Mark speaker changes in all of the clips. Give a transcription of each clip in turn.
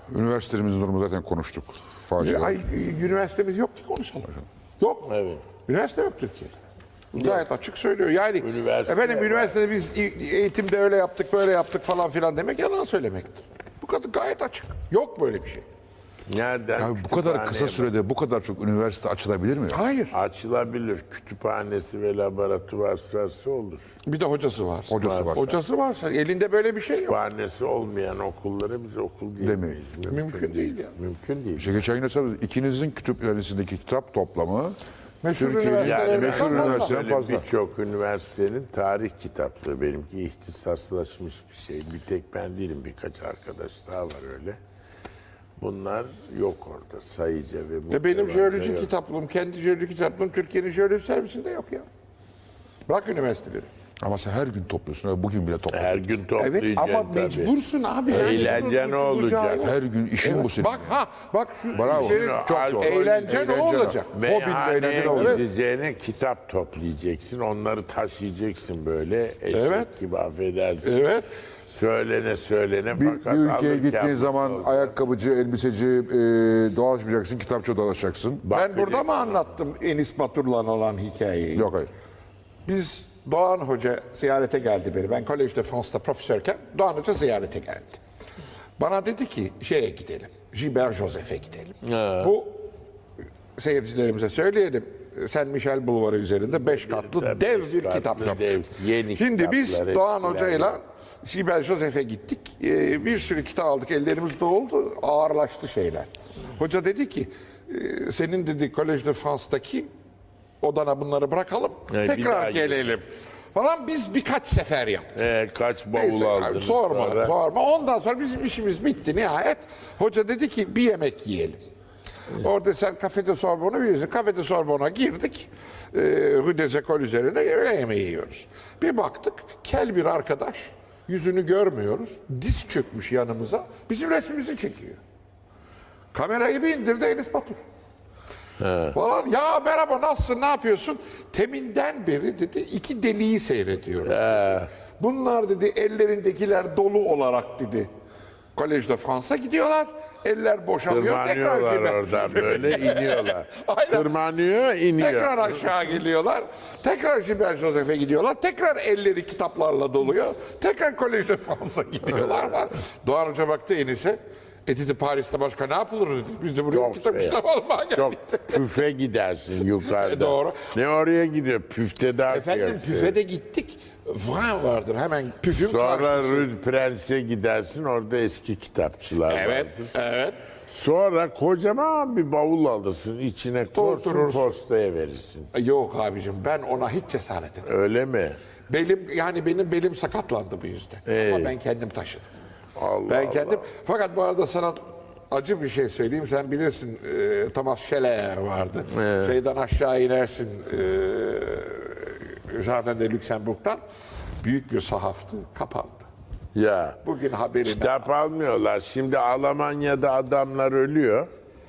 Speaker 1: Üniversitemizin durumu zaten konuştuk. Facia.
Speaker 2: Ay, üniversitemiz yok ki konuşalım. Yok.
Speaker 3: Evet.
Speaker 2: Üniversite yok Türkiye'de. Gayet açık söylüyor. Yani
Speaker 3: Üniversite
Speaker 2: efendim
Speaker 3: var.
Speaker 2: üniversitede biz eğitimde öyle yaptık, böyle yaptık falan filan demek yalan söylemektir. Bu kadar gayet açık. Yok böyle bir şey.
Speaker 3: Nereden?
Speaker 1: Ya bu kadar kısa sürede bu kadar çok üniversite açılabilir mi?
Speaker 2: Hayır.
Speaker 3: Açılabilir. Kütüphanesi ve laboratuvar varsa olur.
Speaker 2: Bir de hocası var.
Speaker 1: Hocası varsa.
Speaker 2: Hocası varsa elinde böyle bir şey yok.
Speaker 3: Kütüphanesi olmayan okullara biz okul diyemeyiz.
Speaker 2: Mümkün değil ya.
Speaker 3: Mümkün değil.
Speaker 1: İşte geçen yine tabii ikinizin kütüphanesindeki kitap toplamı
Speaker 2: Meşhur
Speaker 1: Türkiye'nin
Speaker 2: üniversitelerin
Speaker 1: meşhur
Speaker 2: fazla.
Speaker 1: üniversiteden
Speaker 3: Böyle
Speaker 1: fazla.
Speaker 3: birçok üniversitenin tarih kitaplığı, benimki ihtisaslaşmış bir şey. Bir tek ben değilim, birkaç arkadaş daha var öyle. Bunlar yok orada, sayıca ve
Speaker 2: Benim
Speaker 3: muhtevaca
Speaker 2: jeoloji
Speaker 3: yok.
Speaker 2: kitaplığım, kendi jeoloji kitaplığım Türkiye'nin jeoloji servisinde yok ya. Bırak üniversiteleri.
Speaker 1: Ama sen her gün topluyorsun. Öyle bugün bile topladın.
Speaker 3: Her gün
Speaker 2: Evet
Speaker 3: toplayacaksın
Speaker 2: ama
Speaker 3: tabii.
Speaker 2: mecbursun abi. Yani
Speaker 3: Eğlence
Speaker 2: bunun
Speaker 3: ne olacak?
Speaker 2: kurtulacağı yok.
Speaker 1: Her gün işin bu senin.
Speaker 2: Bak şu
Speaker 1: Bravo.
Speaker 2: işlerin
Speaker 1: Çok
Speaker 3: Alkol,
Speaker 1: doğru.
Speaker 2: eğlence ne olacak?
Speaker 3: Meyhaneye
Speaker 1: eğlence ne olacak?
Speaker 3: gideceğine kitap toplayacaksın, onları taşıyacaksın böyle eşek
Speaker 2: Evet.
Speaker 3: gibi, affedersin.
Speaker 2: Evet.
Speaker 3: Söylene
Speaker 1: Bir
Speaker 3: fakat
Speaker 1: ülkeye
Speaker 3: alırken
Speaker 1: gittiğin zaman
Speaker 3: olacak.
Speaker 1: ayakkabıcı, elbiseci dolaşmayacaksın, kitapçı dolaşacaksın.
Speaker 2: Ben burada
Speaker 3: Bakacaksın.
Speaker 2: mı anlattım Enis Batur'la olan hikayeyi?
Speaker 1: Yok hayır.
Speaker 2: Biz Doğan Hoca ziyarete geldi beni. Ben Collège de France'da profesörken Doğan Hoca ziyarete geldi. Bana dedi ki şeye gidelim. Gilbert Joseph'e gidelim. Bu seyircilerimize söyleyelim. Saint Michel Bulvarı üzerinde 5 katlı
Speaker 3: Tabii,
Speaker 2: dev
Speaker 3: beş
Speaker 2: bir
Speaker 3: katlı
Speaker 2: kitap.
Speaker 3: dev, yeni
Speaker 2: Şimdi biz
Speaker 3: kitaplar,
Speaker 2: Doğan
Speaker 3: eskiler
Speaker 2: Hoca'yla Gilbert Joseph'e gittik. Bir sürü kitap aldık. Ellerimiz doldu. Ağırlaştı şeyler. Hoca dedi ki senin dedi Collège de France'daki odana bunları bırakalım.
Speaker 3: Evet, bir
Speaker 2: tekrar
Speaker 3: daha
Speaker 2: gelelim. Falan biz birkaç sefer yaptık.
Speaker 3: Kaç bavul
Speaker 2: Neyse,
Speaker 3: aldınız
Speaker 2: sorma,
Speaker 3: sonra?
Speaker 2: sorma. Ondan sonra bizim işimiz bitti nihayet. Hoca dedi ki bir yemek yiyelim. Orada sen kafede Sorbonne'u biliyorsun. Kafede Sorbonne'a girdik. Rue des Écoles üzerinde öğle yemeği yiyoruz. Bir baktık kel bir arkadaş. Yüzünü görmüyoruz. Diz çökmüş yanımıza. Bizim resmimizi çekiyor. Kamerayı bir indirdi Enis Batur. Falan. Ya merhaba nasılsın ne yapıyorsun? Teminden beri dedi iki deliği seyrediyorum. Bunlar dedi ellerindekiler dolu olarak dedi. Collège de France'a gidiyorlar. Eller boşalıyor. Tekrar
Speaker 3: Tırmanıyorlar oradan böyle iniyorlar.
Speaker 2: Aynen.
Speaker 3: Tırmanıyor, iniyor.
Speaker 2: Tekrar aşağı geliyorlar. Tekrar Gilbert Joseph'e gidiyorlar. Tekrar elleri kitaplarla doluyor. Tekrar Collège de France'a gidiyorlar. Var. Doğan Hoca baktı Enis'e. Dedi Paris'te başka ne yapılır dedi. Biz de buraya
Speaker 3: Çok
Speaker 2: kitap
Speaker 3: şey.
Speaker 2: almaya geldik.
Speaker 3: Çok püfe gidersin yukarıda.
Speaker 2: Doğru.
Speaker 3: Ne oraya gidiyor? Püfte daha
Speaker 2: Efendim püfe de gittik. Vran vardır hemen püfün
Speaker 3: Sonra
Speaker 2: karşısı.
Speaker 3: Rue Prence'e gidersin, orada eski kitapçılar
Speaker 2: Evet,
Speaker 3: vardır.
Speaker 2: evet.
Speaker 3: Sonra kocaman bir bavul alırsın, içine korsun,
Speaker 2: Doldurursun.
Speaker 3: postaya verirsin.
Speaker 2: Yok abicim ben ona hiç cesaret edemedim.
Speaker 3: Öyle mi?
Speaker 2: Benim belim sakatlandı bu yüzden. Ama ben kendim taşıdım.
Speaker 3: Allah
Speaker 2: Ben
Speaker 3: Allah.
Speaker 2: kendim. Fakat bu arada sana acı bir şey söyleyeyim. Sen bilirsin Thomas Scheller vardı. Şeyden aşağı inersin Jardin de Luxembourg'dan. Büyük bir sahaftı. Kapandı.
Speaker 3: Ya.
Speaker 2: Bugün haberini
Speaker 3: Kitap almıyorlar. Şimdi Almanya'da adamlar ölüyor.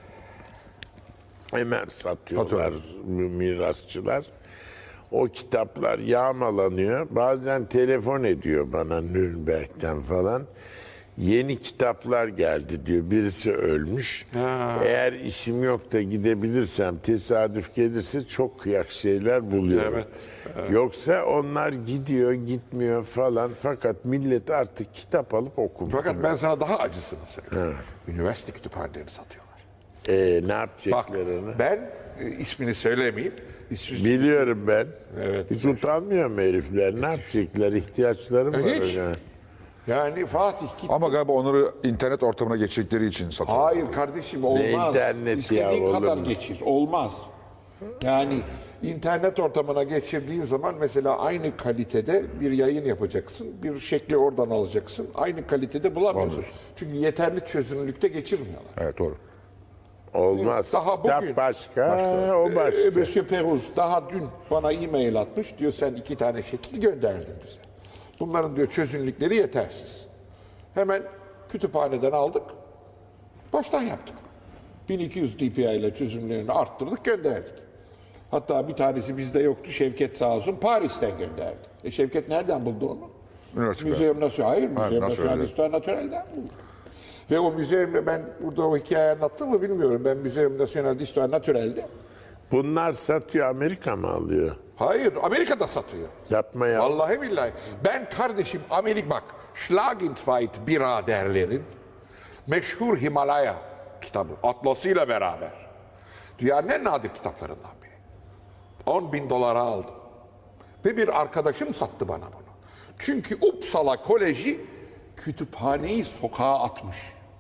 Speaker 3: Hemen satıyorlar mirasçılar. O kitaplar yağmalanıyor. Bazen telefon ediyor bana Nürnberg'den falan. Yeni kitaplar geldi diyor. Birisi ölmüş. Eğer işim yok da gidebilirsem, tesadüf gelirse çok kıyak şeyler buluyorum.
Speaker 2: Evet,
Speaker 3: Yoksa onlar gidiyor, gitmiyor falan. Fakat millet artık kitap alıp okumuyor.
Speaker 2: Fakat ben sana daha acısını söyleyeyim. Üniversite kütüphanelerini satıyorlar.
Speaker 3: Ne
Speaker 2: Bak
Speaker 3: yapacaklar onu?
Speaker 2: ben ismini söylemeyeyim.
Speaker 3: Biliyorum ben.
Speaker 2: Evet.
Speaker 3: Hiç utanmıyor mu herifler? Ne yapacaklar? İhtiyaçları mı var?
Speaker 2: Hiç.
Speaker 3: öyle?
Speaker 2: Yani Fatih gitti.
Speaker 1: Ama galiba onları internet ortamına geçecekleri için satıyorlar.
Speaker 2: Hayır kardeşim olmaz.
Speaker 3: internet
Speaker 2: İstediğin
Speaker 3: ya, olur
Speaker 2: kadar
Speaker 3: mu?
Speaker 2: geçir. Olmaz. Yani internet ortamına geçirdiğin zaman mesela aynı kalitede bir yayın yapacaksın. Bir şekli oradan alacaksın. Aynı kalitede bulamıyorsun. Çünkü yeterli çözünürlükte geçirmiyorlar.
Speaker 1: Evet doğru.
Speaker 3: Olmaz.
Speaker 2: Daha
Speaker 3: Kitap
Speaker 2: bugün-
Speaker 3: başka, o başka.
Speaker 2: Monsieur Peruz daha dün bana e-mail atmış. Diyor sen 2 tane şekil gönderdin bize. Bunların diyor çözünürlükleri yetersiz. Hemen kütüphaneden aldık. Baştan yaptık. 1200 dpi ile çözünürlüğünü arttırdık gönderdik. Hatta bir tanesi bizde yoktu. Şevket sağ olsun Paris'ten gönderdi. Şevket nereden buldu onu?
Speaker 1: Üniversite.
Speaker 2: Müzeum Nasyonel. Hayır, Müzeum
Speaker 1: Nasyonel.
Speaker 2: Nasyonel d'Histoire Naturel'den buldu. Ve o müzeyimde ben burada o hikayeyi anlattım mı bilmiyorum. Ben Müzeum National d'Histoire Naturel'de.
Speaker 3: Bunlar satıyor, Amerika mı alıyor?
Speaker 2: Hayır, Amerika'da satıyor.
Speaker 3: Yapma ya.
Speaker 2: Vallahi billahi. Ben kardeşim bak Schlagentweit biraderlerin meşhur Himalaya kitabı atlasıyla beraber dünyanın en nadir kitaplarından biri. 10.000 dolara aldım. Ve bir arkadaşım sattı bana bunu. Çünkü Uppsala Koleji kütüphaneyi sokağa atmış.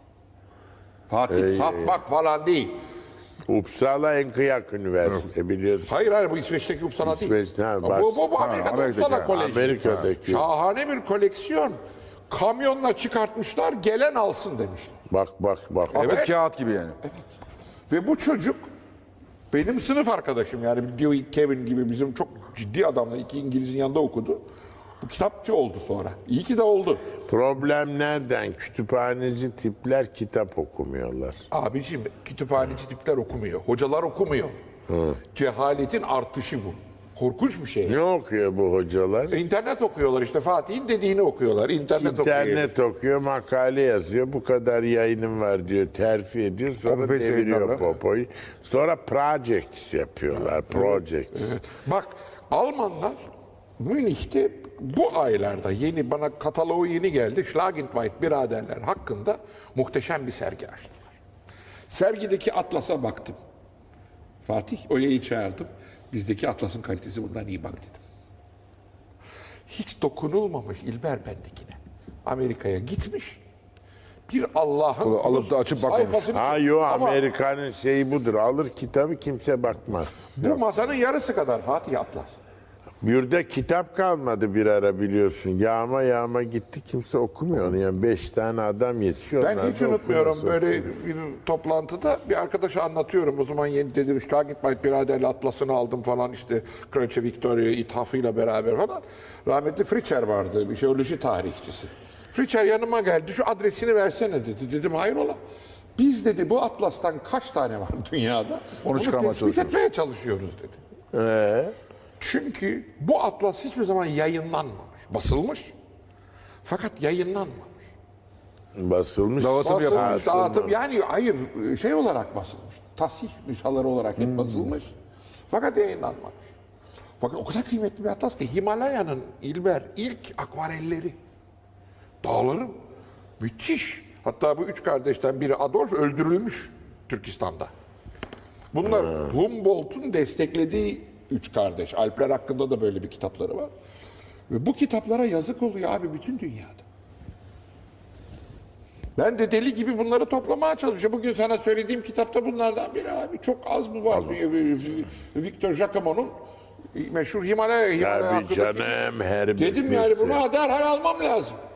Speaker 2: Fatih satmak falan değil.
Speaker 3: Uppsala en kıyak üniversite biliyorsun.
Speaker 2: Hayır bu İsveç'teki Uppsala değil.
Speaker 3: İsveç, ha,
Speaker 2: Bu Amerika'da
Speaker 1: Amerika'daki,
Speaker 2: Uppsala Koleji.
Speaker 3: Amerika'daki.
Speaker 2: Şahane bir koleksiyon. Kamyonla çıkartmışlar, gelen alsın demişler.
Speaker 3: Bak.
Speaker 1: Artık kağıt gibi yani.
Speaker 2: Ve bu çocuk benim sınıf arkadaşım, yani Dewey Kevin gibi bizim çok ciddi adamlar, 2 İngiliz'in yanında okudu. Bu kitapçı oldu sonra. İyi ki de oldu.
Speaker 3: Problem nereden? Kütüphaneci tipler kitap okumuyorlar.
Speaker 2: Abiciğim kütüphaneci tipler okumuyor. Hocalar okumuyor. Cehaletin artışı bu. Korkunç bir şey.
Speaker 3: Ne okuyor bu hocalar?
Speaker 2: İnternet okuyorlar işte, Fatih'in dediğini okuyorlar. İnternet
Speaker 3: İnternet okuyor, makale yazıyor. Bu kadar yayınım var diyor, terfi ediyor. Sonra
Speaker 1: Copy paste
Speaker 3: deviriyor
Speaker 1: yayınlarla.
Speaker 3: popoyu. Sonra projects yapıyorlar. Projects.
Speaker 2: Bak Almanlar Münih'te bu aylarda bana kataloğu yeni geldi. Schlagentweit biraderler hakkında muhteşem bir sergi açtılar. Sergideki atlasa baktım. Fatih Oya'yı çağırdım. Bizdeki atlasın kalitesi bundan iyi bak dedim. Hiç dokunulmamış İlber bendekine. Amerika'ya gitmiş. Bir Allah'ın
Speaker 1: Bunu alıp da açıp bakmamış.
Speaker 2: sayfasını-
Speaker 3: Ha yo,
Speaker 2: Ama
Speaker 3: Amerika'nın şeyi budur. Alır kitabı, kimse bakmaz.
Speaker 2: bu masanın yarısı kadar Fatih Atlas.
Speaker 3: Yurda kitap kalmadı bir ara biliyorsun. Yağma gitti, kimse okumuyor onu. Yani 5 tane adam yetişiyor.
Speaker 2: Ben
Speaker 3: onlar
Speaker 2: hiç
Speaker 3: da
Speaker 2: unutmuyorum,
Speaker 3: okumuyor.
Speaker 2: böyle bir toplantıda bir arkadaşa anlatıyorum. O zaman yeni dedim Schlagentweit biraderle atlasını aldım falan, işte Kraliçe Victoria ithafıyla beraber falan. Rahmetli Fritzscher vardı, bir jeoloji tarihçisi. Fritzscher yanıma geldi, şu adresini versene dedi. Dedim hayrola? Biz dedi bu atlastan kaç tane var dünyada? Onu
Speaker 1: çıkarmaya
Speaker 2: tespit
Speaker 1: çalışıyoruz.
Speaker 2: etmeye çalışıyoruz dedi. Çünkü bu atlas hiçbir zaman yayınlanmamış. Basılmış fakat yayınlanmamış.
Speaker 3: Basılmış.
Speaker 2: Basılmış, dağıtım, yani hayır şey olarak basılmış. Tasih nüshaları olarak hep basılmış. Fakat yayınlanmamış. Fakat o kadar kıymetli bir atlas ki Himalaya'nın İlber ilk akvarelleri. Dağların müthiş. Hatta bu 3 kardeşten biri Adolf öldürülmüş Türkistan'da. Bunlar Humboldt'un desteklediği 3 kardeş. Alpler hakkında da böyle bir kitapları var. Ve bu kitaplara yazık oluyor abi bütün dünyada. Ben de deli gibi bunları toplamaya çalışıyorum. Bugün sana söylediğim kitapta bunlardan biri abi. Çok az mı var? Victor Jacquemin'in meşhur Himalaya
Speaker 3: Tabii
Speaker 2: hakkındaki-
Speaker 3: canım, her
Speaker 2: Dedim
Speaker 3: bir
Speaker 2: yani
Speaker 3: şey.
Speaker 2: bunu derhal almam lazım.